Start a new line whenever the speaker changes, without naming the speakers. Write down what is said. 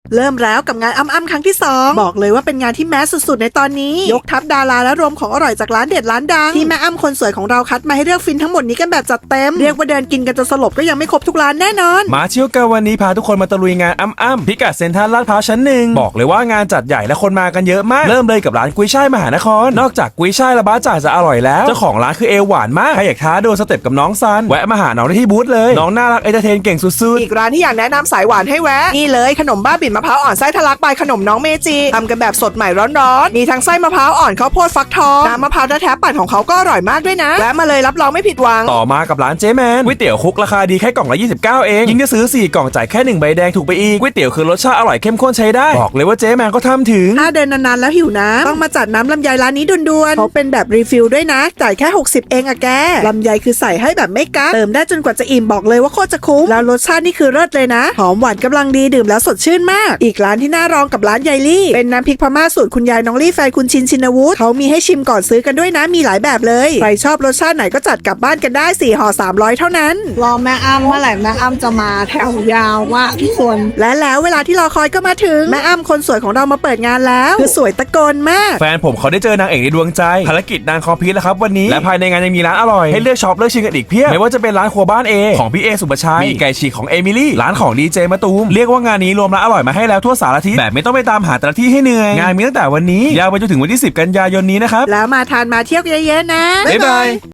เริ่มแล้วกับงานอ้ำครั้งที่ 2บอกเลยว่าเป็นงานที่แมสสุดๆในตอนนี้ยกทัพดาราและรวมของอร่อยจากร้านเด็ดร้านดังที่แม่อ้ำคนสวยของเราคัดมาให้เลือกฟินทั้งหมดนี้กันแบบจัดเต็มเรียกว่าเดินกินกันจนสลบก็ยังไม่ครบทุกร้านแน่นอน
มาเที่ยวกันวันนี้พาทุกคนมาตะลุยงานอ้ำพิกัดเซ็นทรัลลาดพร้าวชั้น 1บอกเลยว่างานจัดใหญ่และคนมากันเยอะมากเริ่มเลยกับร้านกุ้ยช่ายมหานครนอกจากกุ้ยช่ายและบ้าจ่างจะอร่อยแล้วเจ้าของร้านคือเอวหวานมากใครอยากท้าโดนสเต็ปกับน้องซันแวะมาหาน้องได้ที่บูธเลยน้องน่ารักเอนเตอร์เทนเก่งสุดๆ
อีกร้านที่อยากแนะนำสายหวานให้แวะนี่เลยขนมบ้าบิ่นมะพร้าวอ่อนไส้ทะลักบายขนมน้องเมจิทำกันแบบสดใหม่ร้อนๆมีทั้งไส้มะพร้าวอ่อนข้าวโพดฟักทองน้ำมะพร้าวแท้ๆปั่นของเขาก็อร่อยมากด้วยนะแวะมาเลยรับรองไม่ผิดหวัง
ต่อมากับร้านเจ๊แมนก๋วยเตี๋ยวคุกราคาดีแค่กล่องละ29เองยิ่งจะซื้อ4กล่องจ่ายแค่1ใบแดงถูกไปอีกก๋วยเตี๋ยวคือรสชาติอร่อยเข้มข้นใช้ได้บอกเลยว่าเจ๊แมนก็ทำถึง
ถ้าเดินนานๆแล้วหิวน้ำต้องมาจัดน้ำลำไยร้านนี้ด่วนๆเขาเป็นแบบรีฟิลด้วยนะจ่ายแค่60เองอะแกลำไยคือใส่ให้แบบไม่กักเติมได้จนกว่าจะอิ่มบอกเลยว่าโคตรจะคุ้มแล้วรสชาตินี่คือเลิศเลยนะหอมหวานกำลังดีดื่มแล้วสดชื่นมากอีกร้านที่น่ารองกับร้านยายลี่เป็นน้ำพริกพม่าสูตรคุณยายน้องลี่แฟนคุณชินชินวุฒิเขามีให้ชิมก่อนซื้อกันด้วยนะมีหลายแบบเลยใครชอบรสชาติไหนก็จัดกลับบ้านกันได้4ห่อ300เท่านั้น
รอแม่อ้ำเมื่อไหร่แม่อ้ำจะมาแถวยาวว่าทุกคน
และแล้วเวลาที่รอคอยก็มาถึงแม่อ้ำคนสวยของเรามาเปิดงานแล้วคือสวยตะโกนมาก
แฟนผมเขาได้เจอนางเอกในดวงใจภารกิจนางคอมพิวต์แล้วครับวันนี้และภายในงานยังมีร้านอร่อยให้เลือกช็อปเลือกชิมกันอีกเพียบไม่ว่าจะเป็นร้านครัวบ้านเอของพี่เอสุปชัยมีไก่ฉีกของเอมิลี่ร้านของดีเจมะตูมเรียกว่างานนี้รวมร้านอร่อยมาให้แล้วทั่วสารทิศแบบไม่ต้องไปตามหาแต่ละที่ให้เหนื่อยงานมีตั้งแต่วันนี้ยาวไปจนถึงวันที่10 กันยายนนี้นะครับ
แล้วมาทานมาเที่ยวเยอะๆนะ
บ๊ายบาย